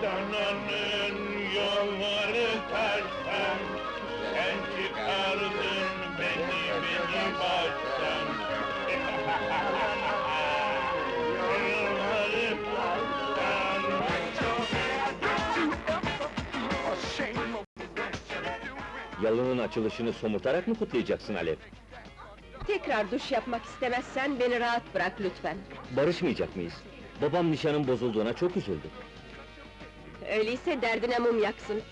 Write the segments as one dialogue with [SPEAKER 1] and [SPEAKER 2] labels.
[SPEAKER 1] Dananın yolları taştan, sen çıkardın beni baştan. Yolları taştan.
[SPEAKER 2] Yalının açılışını somurtarak mı kutlayacaksın Alev?
[SPEAKER 3] Tekrar duş yapmak istemezsen beni rahat bırak lütfen.
[SPEAKER 2] Barışmayacak mıyız? Babam nişanın bozulduğuna çok üzüldü.
[SPEAKER 3] Öyleyse derdine mum yaksın.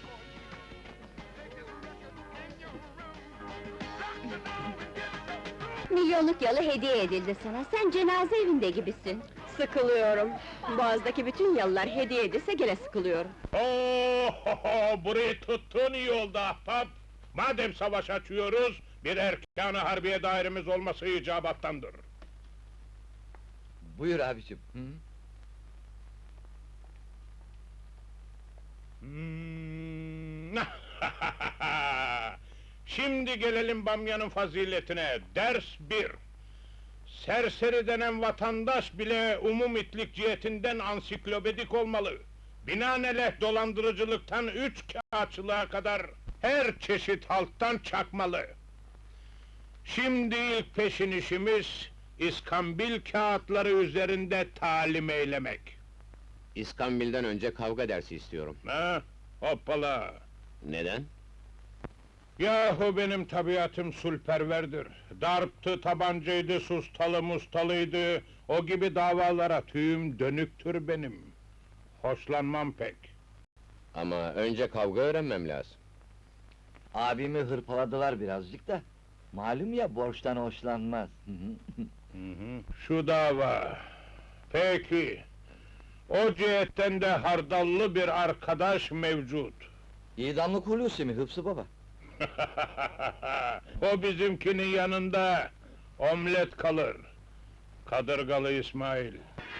[SPEAKER 4] Milyonluk yalı hediye edildi sana, sen cenaze evinde gibisin.
[SPEAKER 3] Sıkılıyorum. Boğazdaki bütün yalılar hediye edilse gene sıkılıyorum.
[SPEAKER 1] Burayı tuttun iyi oldu ahbap. Madem savaş açıyoruz, bir erkan-ı harbiye dairemiz olması icabattandır.
[SPEAKER 5] Buyur abicim.
[SPEAKER 1] Şimdi gelelim bamyanın faziletine. Ders 1. Serseri denen vatandaş bile umum-itlik cihetinden ansiklopedik olmalı. Binaenaleyh dolandırıcılıktan kağıtçılığa kadar her çeşit halttan çakmalı. Şimdi ilk peşin işimiz, iskambil kağıtları üzerinde talim eylemek.
[SPEAKER 6] İskambil'den önce kavga dersi istiyorum.
[SPEAKER 1] Ha? Hoppala!
[SPEAKER 6] Neden?
[SPEAKER 1] Yahu benim tabiatım sulperverdir. Darptı, tabancaydı, sustalı mustalıydı. O gibi davalara tüyüm dönüktür benim. Hoşlanmam pek.
[SPEAKER 6] Ama önce kavga öğrenmem lazım.
[SPEAKER 5] Abimi hırpaladılar birazcık da. Malum ya, borçtan hoşlanmaz.
[SPEAKER 1] Şu dava. Peki. O cihetten de hardallı bir arkadaş mevcut.
[SPEAKER 5] İdamlık Hulusi mi Hıfzı baba?
[SPEAKER 1] O bizimkinin yanında omlet kalır. Kadırgalı İsmail.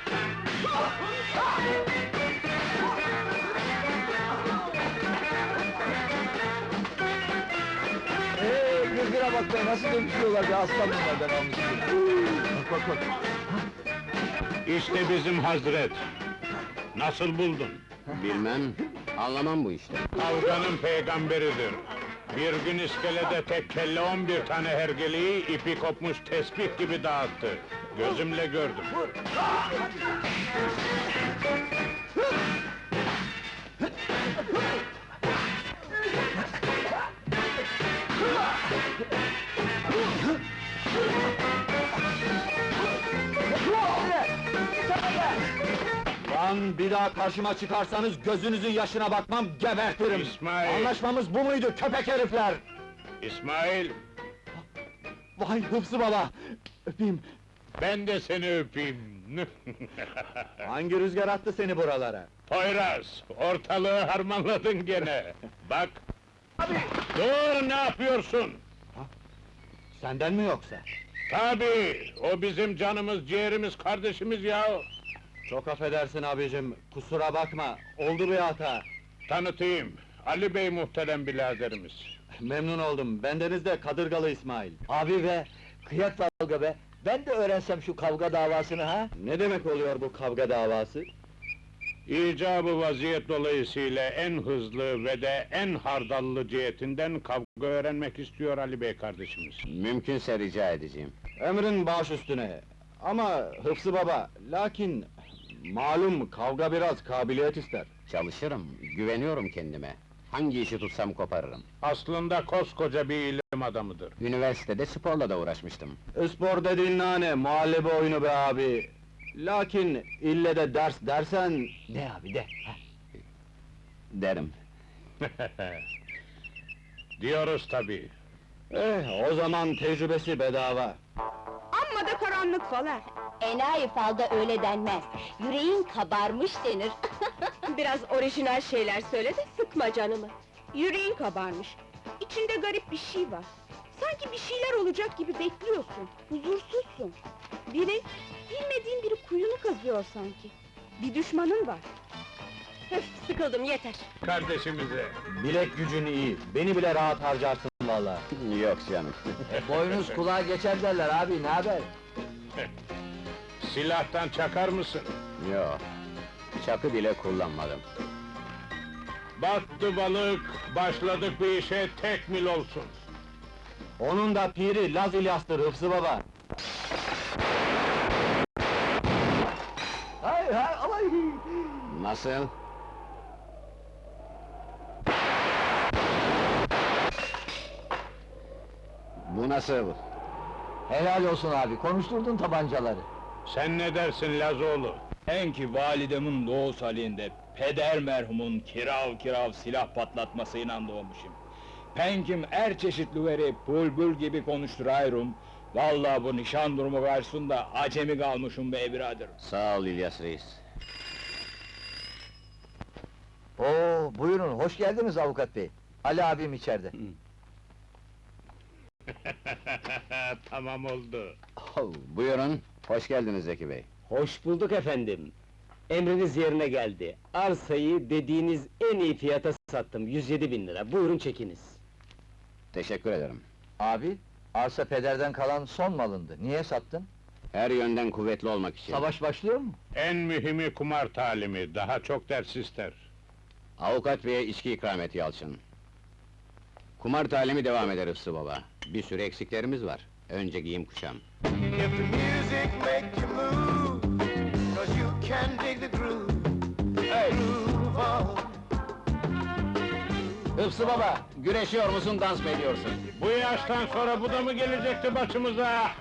[SPEAKER 5] Gırgıra bak be, nasıl dönüşüyorlar be, aslan bunlardan almış. Bak bak bak.
[SPEAKER 1] İşte bizim Hazret. Nasıl buldun?
[SPEAKER 6] Bilmem, anlamam bu işte.
[SPEAKER 1] Kavganın peygamberidir. Bir gün iskelede tek kelle 11 tane hergeleyi ipi kopmuş tesbih gibi dağıttı. Gözümle gördüm.
[SPEAKER 5] Lan bir daha karşıma çıkarsanız gözünüzün yaşına bakmam, gebertirim!
[SPEAKER 1] İsmail!
[SPEAKER 5] Anlaşmamız bu muydu köpek herifler?
[SPEAKER 1] İsmail,
[SPEAKER 5] Vay Hıfzı baba! Öpeyim!
[SPEAKER 1] ben de seni öpeyim.
[SPEAKER 5] Hangi rüzgar attı seni buralara?
[SPEAKER 1] Poyraz, ortalığı harmanladın gene. Bak! Dur, ne yapıyorsun?
[SPEAKER 5] Senden mi yoksa?
[SPEAKER 1] Tabii, o bizim canımız, ciğerimiz, kardeşimiz ya.
[SPEAKER 5] Çok affedersin abicim, kusura bakma, oldu bir hata.
[SPEAKER 1] Tanıtayım, Ali Bey muhterem biraderimiz.
[SPEAKER 5] Memnun oldum, bendeniz de Kadırgalı İsmail. Abi be, kıyak kavga be! Ben de öğrensem şu kavga davasını ha? Ne demek oluyor bu kavga davası?
[SPEAKER 1] İcabı vaziyet dolayısıyla en hızlı ve de en hardallı cihetinden kavga öğrenmek istiyor Ali Bey kardeşimiz.
[SPEAKER 6] Mümkünse rica edeceğim.
[SPEAKER 5] Emrin baş üstüne! Ama Hıfzı baba, lakin... Malum kavga biraz kabiliyet ister.
[SPEAKER 6] Çalışırım, güveniyorum kendime. Hangi işi tutsam koparırım.
[SPEAKER 1] Aslında koskoca bir ilim adamıdır.
[SPEAKER 6] Üniversitede sporla da uğraşmıştım.
[SPEAKER 5] Spor dediğin nane, muhallebi oyunu be abi! Lakin ille de ders dersen... De abi de!
[SPEAKER 6] Derim.
[SPEAKER 1] Diyoruz tabii.
[SPEAKER 5] O zaman tecrübesi bedava!
[SPEAKER 3] Amma da karanlık falan.
[SPEAKER 4] Enayi falda öyle denmez, yüreğin kabarmış denir.
[SPEAKER 3] Biraz orijinal şeyler söyle de sıkma canımı. Yüreğin kabarmış. İçinde garip bir şey var. Sanki bir şeyler olacak gibi bekliyorsun. Huzursuzsun. Bilmediğin biri kuyunu kazıyor sanki. Bir düşmanın var. Öf, sıkıldım yeter.
[SPEAKER 1] Kardeşimize.
[SPEAKER 5] Bilek gücün iyi, beni bile rahat harcarsın vallahi.
[SPEAKER 6] Yok canım.
[SPEAKER 5] Boynuz kulağa geçer derler abi, ne haber?
[SPEAKER 1] Silahtan çakar mısın?
[SPEAKER 6] Yok. Çakı bile kullanmadım.
[SPEAKER 1] Battı balık, başladık bir işe tek mil olsun.
[SPEAKER 5] Onun da piri Laz İlyas'tır Hıfzı baba. Hay hay alay!
[SPEAKER 6] Nasıl? Bu nasıl?
[SPEAKER 5] Helal olsun abi, konuşturdun tabancaları.
[SPEAKER 1] Sen ne dersin Lazoğlu?
[SPEAKER 7] En ki validemin doğus halinde peder merhumun kirav silah patlatmasıyla doğmuşum. Penkim er çeşitli veri bülbül gibi konuşturayrum. Vallahi bu nişan durumu karşısında acemi kalmışım be birader.
[SPEAKER 6] Sağ ol İlyas Reis.
[SPEAKER 5] Oo, buyurun, hoş geldiniz avukat bey. Ali abim içeride.
[SPEAKER 1] Tamam oldu.
[SPEAKER 6] Buyurun, hoş geldiniz Zeki Bey.
[SPEAKER 2] Hoş bulduk efendim. Emriniz yerine geldi. Arsayı dediğiniz en iyi fiyata sattım, 107.000 lira. Buyurun çekiniz.
[SPEAKER 6] Teşekkür ederim.
[SPEAKER 5] Abi, arsa pederden kalan son malındı. Niye sattın?
[SPEAKER 6] Her yönden kuvvetli olmak için.
[SPEAKER 5] Savaş başlıyor mu?
[SPEAKER 1] En mühimi kumar talimi, daha çok ders ister.
[SPEAKER 6] Avukat beye içki ikram et Yalçın. Kumar talimi devam eder Hıfzı baba. Bir sürü eksiklerimiz var. Önce giyim kuşam.
[SPEAKER 8] If the music make you move, 'cause you can dig the groove, groove on.
[SPEAKER 6] Hıfzı baba, güreşiyor musun, dans mı ediyorsun?
[SPEAKER 1] Bu yaştan sonra bu da mı gelecekti başımıza?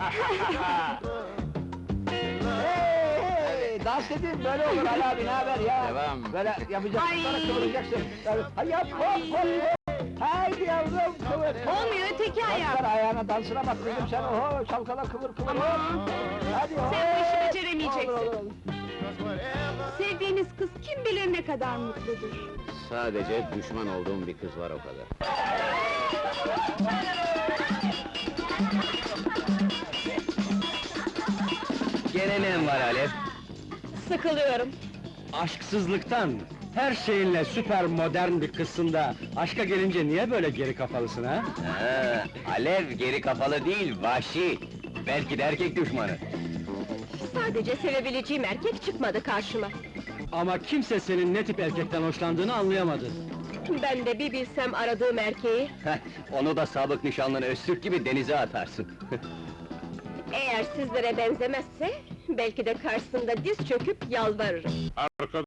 [SPEAKER 5] Hey, dans edin, böyle olur Ali abi, ne haber ya?
[SPEAKER 6] Devam.
[SPEAKER 5] Böyle yapacaksın, sonra kıvıracaksın. Evet, hay yap, hop hop hop! Haydi yavrum, kıvır!
[SPEAKER 3] Olmuyor, öteki ayak.
[SPEAKER 5] Kalkar ayağına, dansına bak kızım sen, oho, çalkala kıvır kıvır, hop! Hadi hop!
[SPEAKER 3] Sen bu işi beceremeyeceksin.
[SPEAKER 5] Olur, olur, olur.
[SPEAKER 3] Sevdiğiniz kız kim bilir ne kadar mutludur.
[SPEAKER 6] Sadece düşman olduğum bir kız var o kadar.
[SPEAKER 2] Gene ne var Alev?
[SPEAKER 3] Sıkılıyorum.
[SPEAKER 2] Aşksızlıktan, her şeyinle süper modern bir kızsın da, aşka gelince niye böyle geri kafalısın ha?
[SPEAKER 5] Alev geri kafalı değil, vahşi! Belki de erkek düşmanı.
[SPEAKER 3] Sadece sevebileceğim erkek çıkmadı karşıma.
[SPEAKER 2] Ama kimse senin ne tip erkekten hoşlandığını anlayamadı.
[SPEAKER 3] Ben de bir bilsem aradığım erkeği,
[SPEAKER 5] Onu da sabık nişanlını Öztürk gibi denize atarsın.
[SPEAKER 3] eğer sizlere benzemezse, belki de karşısında diz çöküp yalvarırım.
[SPEAKER 1] Arkadaş